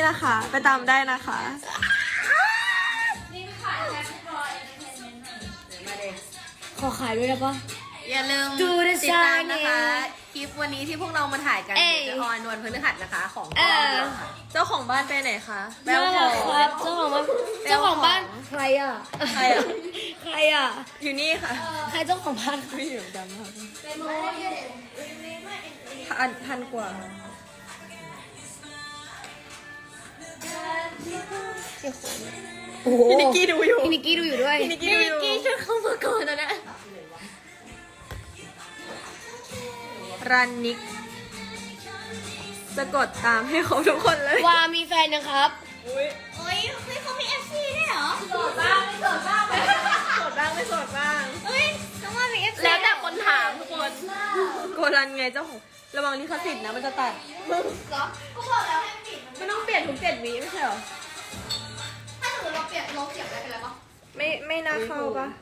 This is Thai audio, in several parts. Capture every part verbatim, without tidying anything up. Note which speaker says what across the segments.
Speaker 1: นะคะ ไปตามได้นะคะ
Speaker 2: นี่ไม่ขายแค่ไม่พอเอนเตอร์เทนเมนต์หน่อย
Speaker 3: มาเลย
Speaker 4: ขอขายด้วยได้ปะ
Speaker 3: อย่าลืม
Speaker 4: Do the
Speaker 3: ติดตามนะคะ
Speaker 4: shining
Speaker 3: คลิปวันนี้ที่พวกเรามาถ่ายกัน
Speaker 4: เอ้ย
Speaker 3: จะออนวันพฤหัสนะคะของ
Speaker 4: เออ
Speaker 1: เจ้าของบ้านไปไหนคะ
Speaker 3: แบลขอ
Speaker 4: ครับเจ้าของบ้านเจ้าของบ้านใครอ่ะ
Speaker 1: ใครอ่ะ
Speaker 4: ใครอ่ะ
Speaker 1: อยู่นี่ค่ะ
Speaker 4: ใครเจ้าของบ้าน
Speaker 1: ไม่อยู่ดำค่ะ
Speaker 2: เป็นโมเดล
Speaker 1: พันพันกว่า
Speaker 4: โอ้โห
Speaker 1: พี่นิกกี้ดูอยู่
Speaker 4: พี่นิกกี้ดูอยู่ด้วย
Speaker 1: พี่นิกกี้ดูอยู่
Speaker 3: ช่วยเข้ามาก่อนนะนะ
Speaker 1: รันนิกจะกดตามให้เขาทุกคนเลย
Speaker 4: วามีแฟนยังครับ
Speaker 1: อุ้ย
Speaker 2: โอ้ยเฮ้ยเขามีเอฟซีด้วยเหรอ
Speaker 3: โสดบ้างไม่โสดบ้างไหม
Speaker 1: โสดบ้างไม่โสดบ้าง
Speaker 2: เฮ้ยน้องว่ามีเอฟซี
Speaker 3: แล้วแต่คนถามทุกคน
Speaker 1: โกรันไงเจ้าของระวังลิขสิทธิ์นะมันจะตัด
Speaker 2: เหรอก็บอกแล้วให้ปิดมัน
Speaker 1: ไม่ต้องเปลี่ยนทุกเจ็ดวิไม่ใช่เหรอ
Speaker 2: ถ้าสมมติเราเปลี่ยนลบเสียงได้เป็นไรปะ
Speaker 1: ไม่ไม่น่าเข้าปะ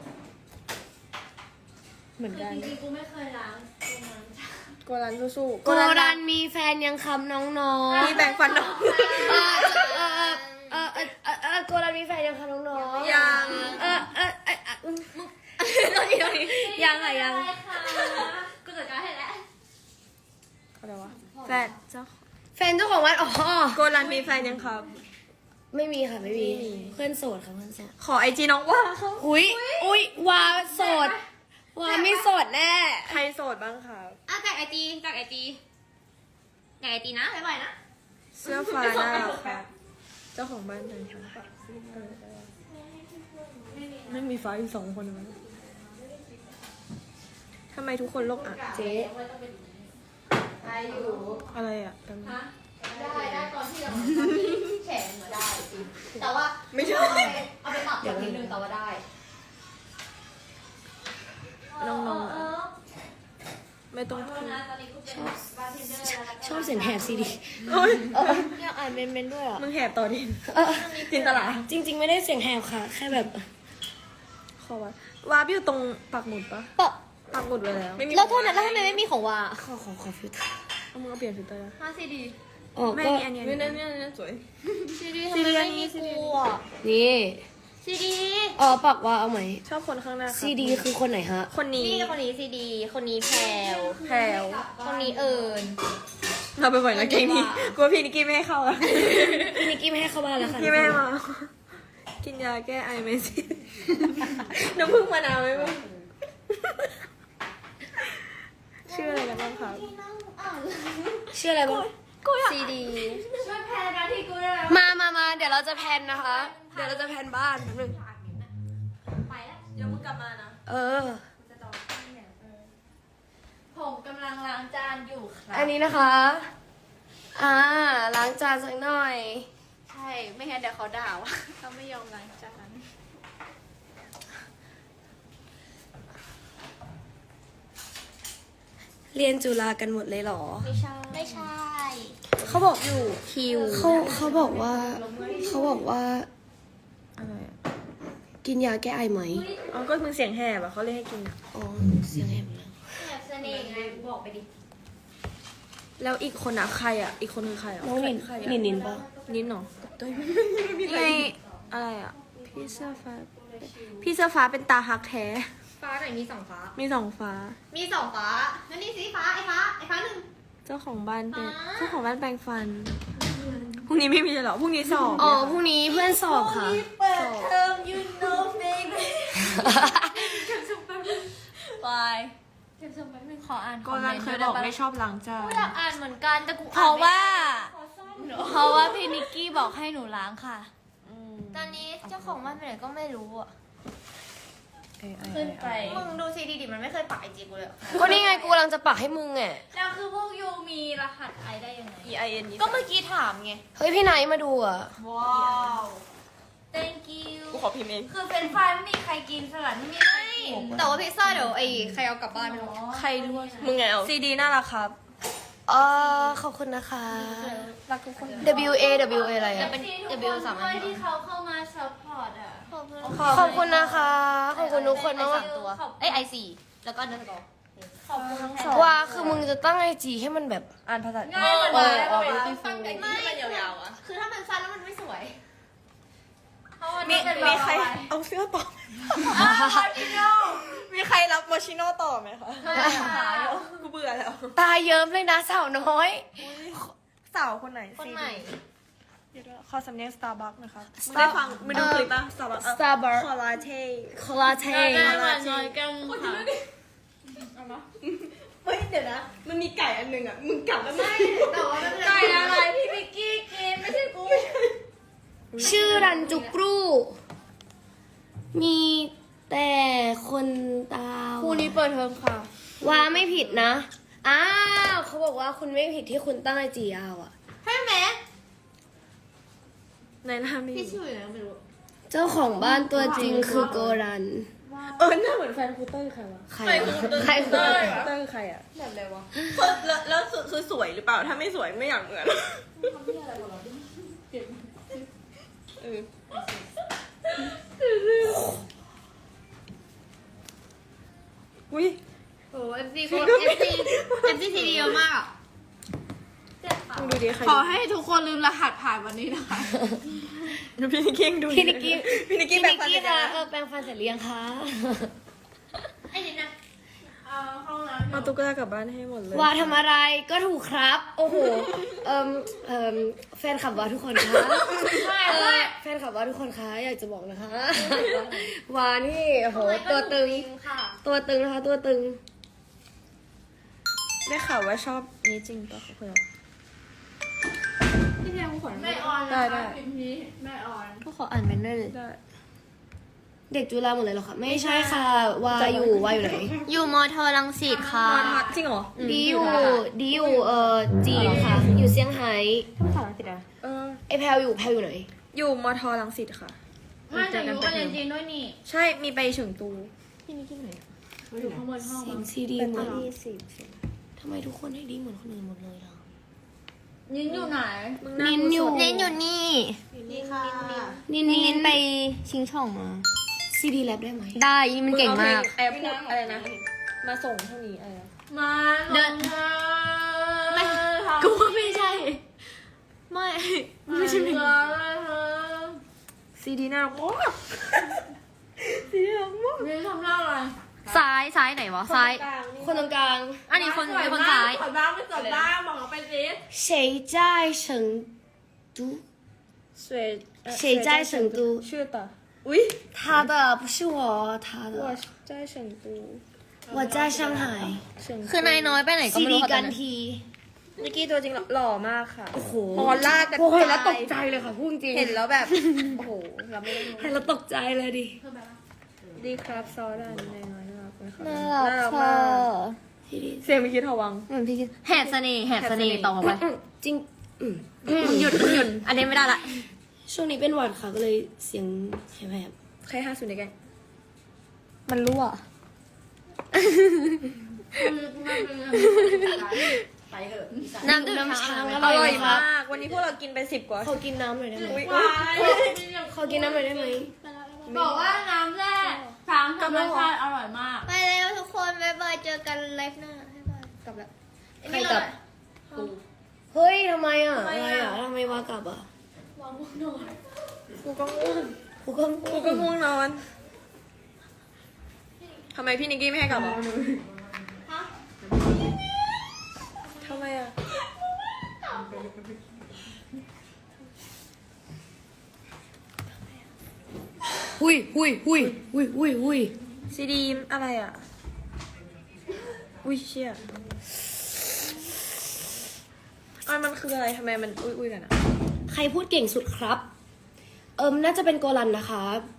Speaker 1: เหมือนกัน
Speaker 2: จริงๆกูไม่เคยล้างตรงนั้น
Speaker 1: โกรันสู้ๆ
Speaker 4: โกรันมีแฟนยังครับน้องๆ
Speaker 1: มีแบ่งฟันน้อง
Speaker 4: เออเออเออเออเออเออโกรันมีแฟนยังครับน้องๆ
Speaker 1: ยัง
Speaker 4: เออเออเออเออ
Speaker 3: ตอนนี้ตอนนี้
Speaker 4: ยังค่ะยัง
Speaker 2: ได้ค่ะกูจัดการให้แล้ว
Speaker 1: อะไรวะแฟนเจ้า
Speaker 4: แฟนเจ้าของวัดอ๋อ
Speaker 1: โกรันมีแฟนยังครับ
Speaker 4: ไม่มีค่ะไม่มี
Speaker 1: ไม่มี
Speaker 4: เพื่อนโสดค่ะเพื่อนโสด
Speaker 1: ขอไอจีน้องว่าเขา
Speaker 4: อุ้ยอุ้ยวาโสดวาไม่โสดแน่
Speaker 1: ใครโสดบ้างครับ
Speaker 2: อ่ะจากไอจีจากไอจีจากไอจีนะบ่อยๆนะ
Speaker 1: เสื้อฟ้าหน้าครับเจ้าของบ้านเป็นครับไม่มีฟ้าอยู่สองคนมั้งทำไมทุกคนโลกอ่ะ
Speaker 4: เจ๊
Speaker 2: ได้อยู่
Speaker 1: อะไรอ่ะกัน
Speaker 2: ได้ได้ตอนที่เราแฉเหมือนได้จริงแต่ว่า
Speaker 1: ไม่ใช่
Speaker 2: เอาไปเอาไปปรับแบบนิดนึงแต่ว่าได้
Speaker 1: น้องๆ
Speaker 2: เอ
Speaker 1: อ่ะ
Speaker 2: อ
Speaker 1: ไม่ต้อง
Speaker 2: เออนะตอนนี้กูเป็นบาร์เทนเดอร์แล้ว
Speaker 4: ชอบเสียงแหบซีดี
Speaker 1: โอ้ย
Speaker 4: อยากอ่านเมนเมนด้วยอ่ะ
Speaker 1: มึงแหบต่อดิ
Speaker 4: เออ
Speaker 1: จินตลา
Speaker 4: จริง ๆ ไม่ได้เสียงแหบค่ะ แค่แบบ
Speaker 1: ขอวะวาบอยู่ตรงปักหมุดปะ
Speaker 4: ปะ
Speaker 1: ปักหมุดไว้แล้ว
Speaker 4: แล้วโทษนะแล้วทำไมไม่มีของวาขอขอขอฟิลเตอร์
Speaker 1: เอามึงเอาเปลี่ยนฟิลเตอร์
Speaker 2: ห้าซีดี
Speaker 4: อ๋อ
Speaker 1: ไม่
Speaker 4: ก็
Speaker 1: มีอันนี้อันนี้อันนี้อันนี้สวย
Speaker 2: ซีดี
Speaker 1: ซี
Speaker 2: ทำไม
Speaker 1: ดี
Speaker 2: ไม่
Speaker 1: อันนี้
Speaker 2: มี
Speaker 1: ซีดี
Speaker 2: กูอ่ะ
Speaker 4: นี่
Speaker 2: ซีดี
Speaker 4: อ๋อปักวาเอาไหม
Speaker 1: ชอบคนข้างหน้าครับ
Speaker 4: ซีดีคือคนไหนฮะ
Speaker 1: คนนี้
Speaker 2: นี่คนนี้ซีดี คนนี้แพลว
Speaker 1: แพรว
Speaker 2: คนนี้เอิญ
Speaker 1: เราไปบ่อยนะเก่งนี้กลัวพี่นิกกี้ไม่ให้เข้าอ่ะ
Speaker 4: พี่นิกกี้ไม่ให้เข้าบ้านแล้วค่ะ
Speaker 1: พี่ไม่ให้มา กินยาแก้ไอไหมสิ น้ำผึ้งมะนาวไหมมึงชื่ออะไรกันบ้างครับ
Speaker 4: ชื่ออะไรบ้าง
Speaker 2: ซีดี
Speaker 3: ช่วยแพนนะที่กูได้แล้ว
Speaker 4: มามามาเดี๋ยวเราจะแพนนะคะ เดี๋ยวเราจะแพนบ้านแป๊บนึง
Speaker 2: ไปแล้ว
Speaker 1: เดี๋ยวมึงกลับมานะ
Speaker 4: เออ
Speaker 2: ผมกำลังล้างจานอยู่ครับ
Speaker 4: อันนี้นะคะ อ่า ล้างจานสักหน่อย
Speaker 2: ใช่ ไม่งั้นเดี๋ยวเขาด่าว่าเขาไม่ยอมล้างจาน
Speaker 4: เรียนจุฬากันหมดเลยเหรอ
Speaker 2: ไม่ใช่ ไม่ใช่
Speaker 4: เขาบอก
Speaker 2: อยู่คิว
Speaker 4: เขาเขาบอกว่า เขาบอกว่า
Speaker 1: อะไรอ่ะ
Speaker 4: กินยาแก้ไอไหม
Speaker 1: อ๋อก็มึงเสียงแหบอ่ะเขาเรียกให้กิน
Speaker 4: อ๋อ เสียงแหบแล้ว
Speaker 2: แบบเสน่ห์ไงบอกไปดิ
Speaker 1: แล้วอีกคนอ่ะใครอ่ะ อีกคนคือใครอ่ะ
Speaker 4: น้องนิน
Speaker 1: ใครอ่ะ
Speaker 4: นินนินปะ
Speaker 1: นินเหรอตัวไม่ไงอะไรอ่ะ พี่เสื้อฟ้า พี่เสื้อฟ้าเป็นตาฮักแท้
Speaker 2: ฟ้าไหนมีสองฟ้า
Speaker 1: มีสองฟ้า
Speaker 2: มีสองฟ้าแล้วนี่สีฟ้า ไอ้ฟ้า ไอ้ฟ้าหนึ่ง
Speaker 1: เจ้าของบ้านเป็น
Speaker 2: อ่า
Speaker 1: เจ้าของบ้านแปรงฟัน พรุ่งนี้ไม่มีเลยเหรอ พรุ่งนี้สอบ
Speaker 4: อ๋อ
Speaker 1: เนี่ย
Speaker 4: พรุ่งนี้เพื่อนสอบค่ะ
Speaker 2: เปิดเทอม you know baby
Speaker 3: บาย
Speaker 2: เดี๋ยวส่งแป๊บนึงขออ่าน
Speaker 1: โกรันเคยบอกไม่ชอบล้างจาน
Speaker 2: กูอยากอ่านเหมือนกันแต่กู
Speaker 3: เพราะว่า
Speaker 2: ขอซ่อนเหรอ
Speaker 3: เพราะว่าพี่นิกกี้บอกให้หนูล้างค่ะ
Speaker 1: อืม
Speaker 2: ตอนนี้เจ้าของบ้านไปไหนก็ไม่รู้อ่ะ
Speaker 1: เอ้ยเอ้ย
Speaker 3: ขึ้นไป
Speaker 2: มึงดูซีดีดิมันไม่เคยปักไอจีกูเลยอะ
Speaker 4: ก็นี่ไงกูกำลังจะปักให้มึงไง
Speaker 3: แล้วคือพวกยูมีรหัสไอได้ยังไง
Speaker 1: E I N
Speaker 2: ก็เมื่อกี้ถามไง
Speaker 4: เฮ้ยพี่ไนท์มาดูอ่ะ
Speaker 3: ว้าว thank you
Speaker 1: กูขอพิมพ์เอง
Speaker 3: คือเป็นไฟไม่มีใครกินสลัดไม่มีใครกิน
Speaker 2: แต่ว่าพิซซ่าเดี๋ยวไอ้ใครเอากลับบ้านไม่รู้
Speaker 1: ใครด้วยมึงไงเอาซีดีน่ารักครับ
Speaker 4: เออขอบคุณนะคะ
Speaker 1: รักทุกคน
Speaker 4: W A W A อะไร
Speaker 2: จะ
Speaker 4: อ่ะ
Speaker 2: เป็น
Speaker 3: ทุก
Speaker 2: W
Speaker 3: คน
Speaker 2: สาม
Speaker 3: ด้
Speaker 2: อั
Speaker 3: วย
Speaker 2: น
Speaker 3: ที่เขาเข้ามาซัพพอร์ตอ่ะ
Speaker 2: ขอบคุณ
Speaker 4: ขอบคุณนะคะ ขอบคุณทุกคนมาก
Speaker 2: สามตัวเอ้ยไอสี่แล้วก็เนื้อสกอร์
Speaker 3: ขอบคุณน้องแพน
Speaker 4: ว่าคือมึงจะตั้งไอจีให้มันแบบ
Speaker 1: อ่านภาษา
Speaker 3: ง่ายเหมือน
Speaker 4: เอ
Speaker 3: กัน
Speaker 4: อออก
Speaker 2: ตั้งใจที่มันยาวๆอ่ะคือถ้ามันสั้นแล้วมันไม่สวย
Speaker 3: เพราะว่า
Speaker 1: มี
Speaker 3: เป็น
Speaker 1: มีใคร
Speaker 3: เบา
Speaker 1: เอาเสื้อต่อ
Speaker 3: ๆอ้าวพี่โน่
Speaker 1: มีใครรับโมชิโน่ต่อไหมคะ
Speaker 3: ขายอยู่
Speaker 1: กูเบื่อแล้ว
Speaker 4: ตาเยิ้มเลยนะสาวน้อย
Speaker 1: สาวคนไหน
Speaker 2: คนไหน
Speaker 1: เดี๋ยวด้วยขอสำเนียง Starbucks นะคะมึงได้ฟังมึงดูคลิปป่ะ Starbucks เออ
Speaker 4: Starbucks
Speaker 1: คอลาเท
Speaker 4: คอลลาเท
Speaker 3: ได้มาน้อยกันค่ะ
Speaker 1: เฮ้ยเดี๋ยวนะ มันมีไก่อันหนึ่งอ่ะ มึงกลับแล้วไม่
Speaker 2: แต่ว่าไม่เป็นไร
Speaker 3: ไก่อะไรพี่มิกกี้กินไม่ใช่กู
Speaker 4: ชื่อรันจุกรู มีแต่คนตา
Speaker 1: คู่นี้เปิดเทอมค่ะ
Speaker 4: ว่าไม่ผิดนะ อ้าวเขาบอกว่าคุณไม่ผิดที่คุณตั้งไอจียาวอะ
Speaker 2: ใช่ไหม
Speaker 1: ในหน้ามี
Speaker 2: พี่ชื่ออะไรไม่รู้
Speaker 4: เจ้าของบ้านตัวจริงคือโกรัน
Speaker 1: เออหน้าเหมือนแฟนครูเต้ยใครวะ
Speaker 4: ใครวะใคร
Speaker 1: เต้
Speaker 4: วะ
Speaker 1: ยเต้ยใครอ่ะ
Speaker 2: แบบอะไรวะ
Speaker 1: แล้วแล้วคือสวยหรือเปล่า ถ้าไม่สวยไม่อยากเหมือนเอออุ้ย
Speaker 2: โอ้เอฟซีคนเอฟซีเอฟซีทีเดียวมาก
Speaker 1: มึงดูดิใคร
Speaker 2: ขอให้ทุกคนลืมรหัสผ่านวันนี้นะคะ
Speaker 1: ดูพี่นิกกี้ดูดิ
Speaker 4: พี่นิกกี้
Speaker 1: พี่นิกกี้
Speaker 4: พี่
Speaker 1: แบ่
Speaker 4: นิ
Speaker 1: ง
Speaker 4: ก
Speaker 1: ฟัน
Speaker 4: กี้
Speaker 1: เสร็จ
Speaker 4: คะ
Speaker 1: แล้ว
Speaker 4: เออแปรงฟันเสร็จหรือยังคะ
Speaker 2: ไอ้นี่นะ
Speaker 3: เอาห้องน้ำ
Speaker 1: เอาตุ๊กตากลับบ้านให้หมดเลย
Speaker 4: ว่าทำอะไรก็ถูกครับ โอ้โห เอ่มเอ่มแฟนขับว่าทุกคนคะเออแฟนขับว่าทุกคนคะอยากจะบอกนะคะ ว่านี่โอ้โหตัวตึง
Speaker 2: ค่ะ
Speaker 4: ตัวตึงนะคะตัวตึง
Speaker 1: ได้ข่าวว่าชอบนี้จริงปะเพื่อน
Speaker 2: พี่เพียงกูขอ
Speaker 3: แม่ออน
Speaker 1: ได้ได้
Speaker 3: พิมพ์นี้แม่ออน
Speaker 4: ก็ขออ่านเป็นด้วยเลย
Speaker 1: ได้
Speaker 4: เด็กจุฬาหมดเลยเหรอคะไม่ใช่ค่ะวาอยู่วาอยู่ไหน
Speaker 2: อยู่มอทอรังสิตค่ะ
Speaker 1: นอนพักจริงเหรอ
Speaker 4: ดีอยู่ดีอยู่เอ่อจีนค่ะ อยู่เซี่ยงไฮ้
Speaker 1: ภาษาอังกฤษอะเออ
Speaker 4: ไอแพลอยู่แพลอยู่ไหน
Speaker 1: อยู่มอทอรังสิตค่ะ
Speaker 3: ไม่แต่อยู่ก็เรียนจีนด้วยนี่
Speaker 1: ใช่ มีไปเฉิงตู พี่นิกกี้ไหน
Speaker 3: อยู่ข้างบนห้อง
Speaker 4: เสียงซีดี
Speaker 1: เป็น
Speaker 4: หม
Speaker 1: ตั
Speaker 4: ด
Speaker 1: วที่สิบ
Speaker 4: ทำไมทุกคนให้ดีเหมือนคนอื่นหมดเลยล่ะ
Speaker 3: ยินอยู่ไหน
Speaker 4: นินอยู่
Speaker 2: เน้นอยู่นี่ นี่ค่ะ
Speaker 4: นิน
Speaker 2: นี่
Speaker 4: นิ
Speaker 2: เน้
Speaker 4: น
Speaker 2: นไปชิงช่องมา
Speaker 4: ซีดีแลบได้ไหม
Speaker 2: ได้นี่มันเก่งมาก
Speaker 1: แอร์พูดอะไรนะ มาส่งเท่านี้อะไรนะ
Speaker 3: มา
Speaker 2: เดิน
Speaker 3: ไม่
Speaker 2: กูว่าไม่ใช่ ไม่
Speaker 3: ไม่ใช่เพลง
Speaker 1: ซีดีน่ารักมากซีดีน่ารักมาก
Speaker 3: มีทำหน้าอะไร
Speaker 2: ซ้าย ซ้ายไหนวะ ซ้าย
Speaker 4: คนตรงกลาง
Speaker 2: อันนี้คนเป็นคนซ้าย
Speaker 3: ขอบ้างไม่จบได้บอกเขาไปสิ
Speaker 4: 谁在成都
Speaker 1: สวย
Speaker 4: 谁在成都
Speaker 1: ชื่อต่ออุ้ย
Speaker 4: 他的不是我他
Speaker 1: ว่า
Speaker 4: 的
Speaker 1: ใจเฉิงตู
Speaker 4: 我在上海
Speaker 1: เฉิงตู
Speaker 2: คือนายน้อยไปไหนก็
Speaker 4: ซี
Speaker 2: ไม่
Speaker 4: ดี
Speaker 2: รู้ค่ะ
Speaker 4: กัน
Speaker 2: ตอนนี้
Speaker 4: ที
Speaker 1: นิกกี้ตัวจริงหล่อมากค่ะ
Speaker 4: โอ้โห
Speaker 1: พอลากกัน
Speaker 4: โอ้เห็นแล้ว
Speaker 1: ไป
Speaker 4: ตกใจเลยค่ะพูดจริง
Speaker 1: เห็นแล้วแบบ โอ้โหเราไม่ได้รู้
Speaker 4: เห็นแล้วตกใจเลยดิ
Speaker 1: ดีครับซอดันในน้อยน่ารักไหมคะ
Speaker 2: น่ารัก
Speaker 1: มา
Speaker 2: ค่ะ
Speaker 1: กเสียงไม่คิดทวัง
Speaker 2: เหมือนพี่คิดแหบเสน่ห์แหบเสน่ห์ต่อไป
Speaker 4: จริงอืม
Speaker 2: หยุดหยุด อันนี้ไม่ได้ละ
Speaker 4: ช่วงนี้เป็นหวัดค่ะก็เลยเสียงแหบ
Speaker 1: ใครห้าศูนย์ในแกง
Speaker 2: มันรั่ว
Speaker 3: ไปเถอะ
Speaker 2: น้ำดื่ม
Speaker 4: น้ำ
Speaker 2: ช้า
Speaker 4: ช้าง
Speaker 2: ง
Speaker 4: อ
Speaker 1: อ
Speaker 4: ร่
Speaker 1: ร่
Speaker 4: อ
Speaker 1: อย ย
Speaker 4: มาม
Speaker 1: าก ก วันนี้พวกเรากินไปสิบกว่า
Speaker 4: ขอกินน้ำหน่อยได้ไหม
Speaker 1: อุ๊ย
Speaker 3: วาย
Speaker 4: ขอกินน้ำหน่อยได้ไหม
Speaker 3: บอกว่าน้ำแร่ช้างธรรมชาติอร่อยมาก
Speaker 2: ไปแล้วทุกคนบ๊ายบายเจอกันไลฟ์หน้าบ๊ายบายกลับแล้ว
Speaker 4: ใครกลับ เฮ้ยทำไมอ่ะอะไรอ่ะทำไมวากลับอ่ะ
Speaker 1: กูก็ง่วง
Speaker 4: กูก็
Speaker 1: กูก็ง่วงนอนทำไมพี่นิกกี้ไม่ให้กลับอ่ะทำไมอ่ะ
Speaker 4: หุยหุยหุยหุยหุยหุย
Speaker 1: ซีดีอะไรอ่ะ อุ้ยเชี่ยอ่ะมันคืออะไรทำไมมันอุ้ยอุ้ยกันอ่ะ
Speaker 4: ใครพูดเก่งสุดครับ เอิมน่าจะเป็นโกลันนะคะ